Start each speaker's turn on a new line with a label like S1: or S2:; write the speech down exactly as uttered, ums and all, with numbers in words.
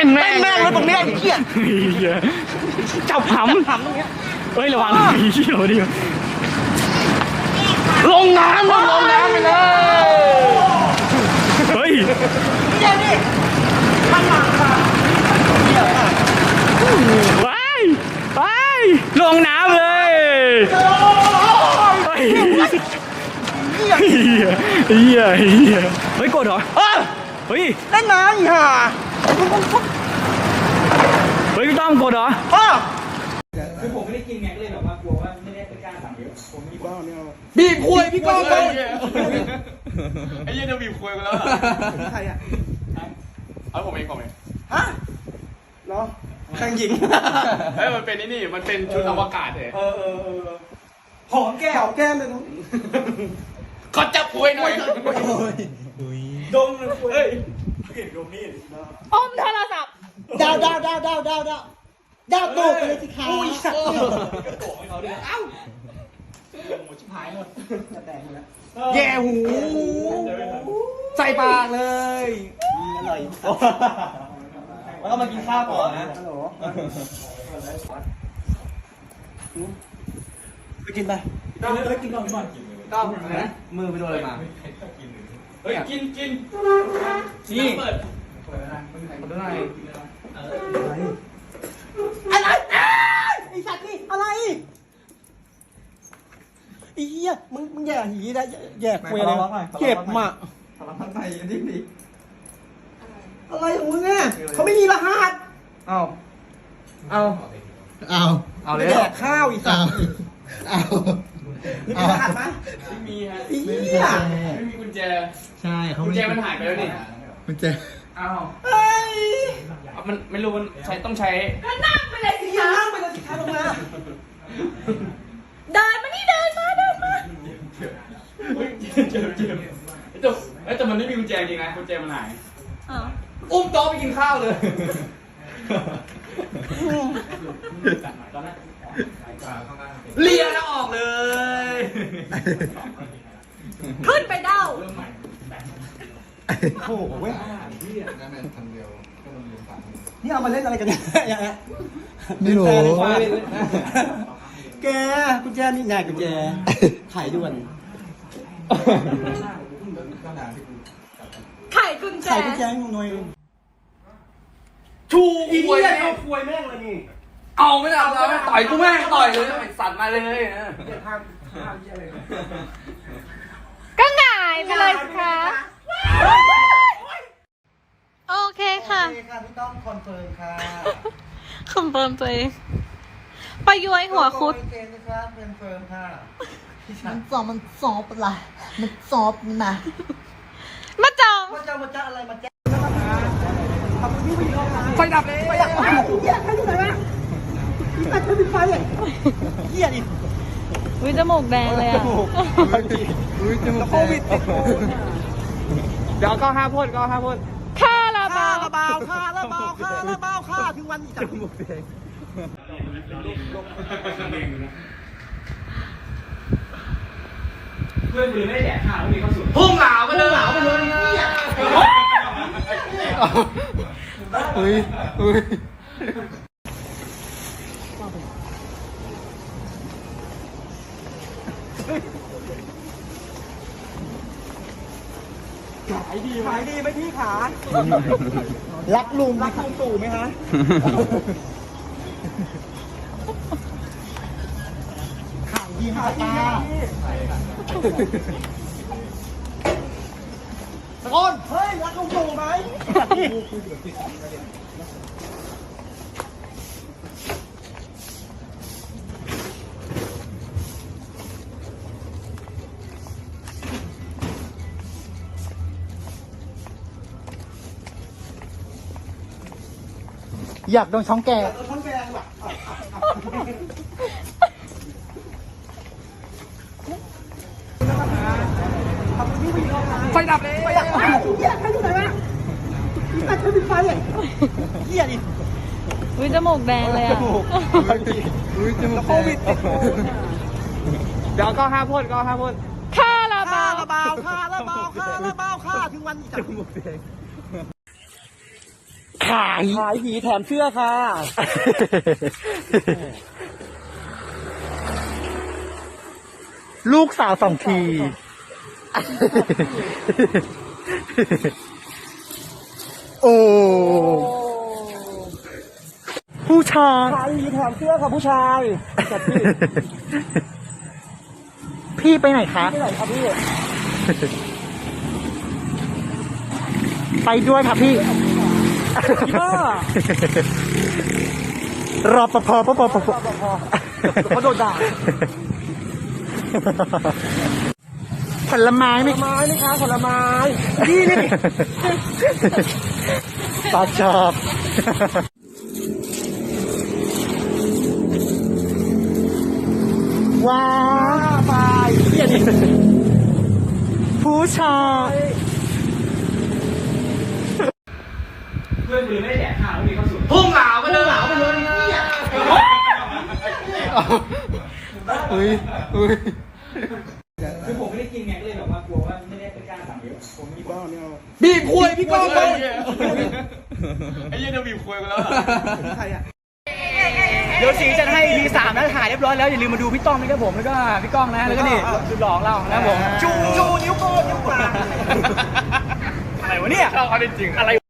S1: ต้นแม่งแม่งเลยตรงเนี้ยไอ้เหี้ยจับหำหำตรงเนี้ยเฮ้ยระวังไอ้เหี้ยดิลงน้ำลงน้ำไปเลยเฮ้ยเดี๋ยวนี่ข้างหลังค่ะไปไปลงน้ำเลยเฮ้ยเฮียเฮียเฮียเฮ้ยกดเหรอเฮ้ยเล่นน้ำอีห่าเฮ้ยพี่ต้อมกดเหรอคือผมไม่ได้กินไงก็เลยแบบว่ากลัวว่าไม่ได้ไปกล้าสั่งเยอะผมมีบ้าไม่เอาบีบคุยพี่ก้องเลยไอ้เหี้ยจะบีบคุยกันแล้วใครอ่ะเอาผมเองผมเองฮะเหรอแข่งหญิงเฮ้ยมันเป็นนี่นี่มันเป็นชุดอวกาศเลยเออเออเออหอมแก้วแก้มเลยน้องก็จับคุยหน่อยดมเลยคุยเฮ้ยเห็นดมนี่อมโทรศัพท์ดาวดาวดาวดาวดาวดาวดาวโตไปเลยสิคะอุ้ยสัตว์กระโดดให้เขาด้วยเอ้าหมดชิบหายหมดแตกหมดแล้วแย่หูใส่ปากเลยอร่อยแล้วก็มากินข้าวก่อนนะฮัลโหลไปกินไปต้องไปกินก่อนก่อนต้องนะมือไปโดนอะไรมาเฮ้ยกินกินนี่เปิดเปิดอะไรเปิดอะไรอะไรไอ้สัตว์นี่อะไรไอ้เหี้ยมึงมึงแย่หีได้แย่คุยอะไรเก็บมาทำทำไมอันนี้ดิอะไรของมึงเนี่ยเขาไม่มีรหัสเอาเอา
S2: เอา
S1: เอาเลยแดกข้าวอีสัตว์
S2: เอา
S1: มีรหัสไหมไม่มีฮะไอ้เหี้ยไม่มีกุญแจ
S2: ใช่เขา
S1: กุญแจมันหายไปแล้วนี่
S2: กุญแจ
S1: อ้าวเฮ้ยมันไม่รู้มันใช้ต้องใช้
S3: ก็นั่งไปเลยสิคะ
S1: นั่งไปเลยสิคะลงมา
S3: เดินมานี่เดินมาเดินมา
S1: เจ็บเจ็บแต่แต่มันไม่มีกุญแจจริงนะกุญแจมันหายอุ้มโต๊ะไปกินข้าวเลยเลียแล้วออกเลย
S3: ขึ้นไปเด้า
S1: โอ้โหเว้ยนี่เอามาเล่นอะไรกันเนี่ย
S2: ไม่รู้
S1: แกกุญแจนี่ไงกุญแจถ่ายด่วน
S3: ไข่กุญแจ
S1: ไข่กุญแจงงยชูควยเอาควยแม่งเลยนี่เอาไม่ได้เอาต่อยกูแม่งต่อยเลยสัตว์มาเลย
S3: ก็หงายไปเลยค่ะโอเคค่ะ
S1: โอเคค่ะพี่ต้องคอนเฟิร์มค่ะ
S3: คอนเฟิร์มตัวเองไปย้อยหัวคุด
S1: โอเคนะครับคอนเฟิร์มค่ะ
S2: มันสอบมันสอบอะไรมันสอบนี่มา
S3: มาจอง
S1: มาจ้ามาจ้าอะไรมาจ้าไฟดับเลยไฟดับเหี้ยใครอยู่ไหนวะพี่ตัดเธอปิดไฟเลยเหี้ยดิ
S3: วิจมูกแดงเลยอ่ะ
S2: อุ้ยจมูก
S1: โควิดเดี๋ยวก็ห้าพ่นก็ห้าพ่น
S3: ค่าระบา
S1: ค่าระบาค่าระบาค่าระบาค่าถึงวันจับจมูกแดงเพื่อนมือไม่แดกข้าวไม่มีข้าวสุกพุ่งเหลาไปเลยเหลาไปเลย
S2: อุ้ยอุ้ย
S1: ขายดีขายดีไหมพี่ขารักลุงรักลุงตู่ไหมฮะขายดีฮะตาตะโกนเฮ้ยรักลุงตู่ไหม
S2: อยากโดนช้องแก
S1: ช้องแกงว่ะไฟดับเลยไฟดับเหี้ยใครอยู่ไหนวะพี่ตัดเธอปิดไฟเลยเหี้ยดิ
S3: วิจมูกแดงเลยอ่ะ
S2: อุ้ยจมูกโควิด
S1: เดี๋ยวก็ห้าพ่นก็ห้าพ่น
S3: ค่าระบา
S1: ค่าระบาค่าระบาค่าระบาค่าถึงวันจับจมูกแดงข
S4: าย
S1: ขายผีแถมเสื้อค่ะ
S4: ลูกสาวสองที โอ้ ผู้ชาย
S1: ขายผีแถมเสื้อค่ะผู้ชายจัดพี่
S4: พี่ไปไหนคะ
S1: ไม่ไหนครับพี่
S4: ไปด้วยค่ะพี่
S1: บ้าร
S4: อปภปปปป
S1: เขาโดนด่า
S4: ผลไม้ไหม
S1: ผลไม้นี่คะผลไม้นี่นี่
S4: ปลาชอบ ว้า
S1: ไปเหี้ยดิ
S4: ผู้ชาย
S1: เพื่อนมือไม่ได้แดกข้าวแล้วมีข้าวสุดพุ่งเหลาไปเลยเหลาไปเลยเนี่ย
S4: เฮ้ยเฮ้ย
S1: คือผมไม่ได้กินไงก็เลยแบบว่ากลัวว่าไม่ได้เป็นการสั่งเยอะผมมีบ้าเนี่ยบีบคุยพี่ก้องเลยไอ้เหี้ยเดี๋ยวบีบคุยกันแล้วใครอ่ะเดี๋ยวสีจะให้ อี พี สามแล้วถ่ายเรียบร้อยแล้วอย่าลืมมาดูพี่ต้องนะครับผมแล้วก็พี่ก้องนะแล้วก็นี่สุดหล่อของเรานะครับผมจูจูนิ้วโป้งนิ้วกลางอะไรวะเนี่ยชอบเขาจริงอะไร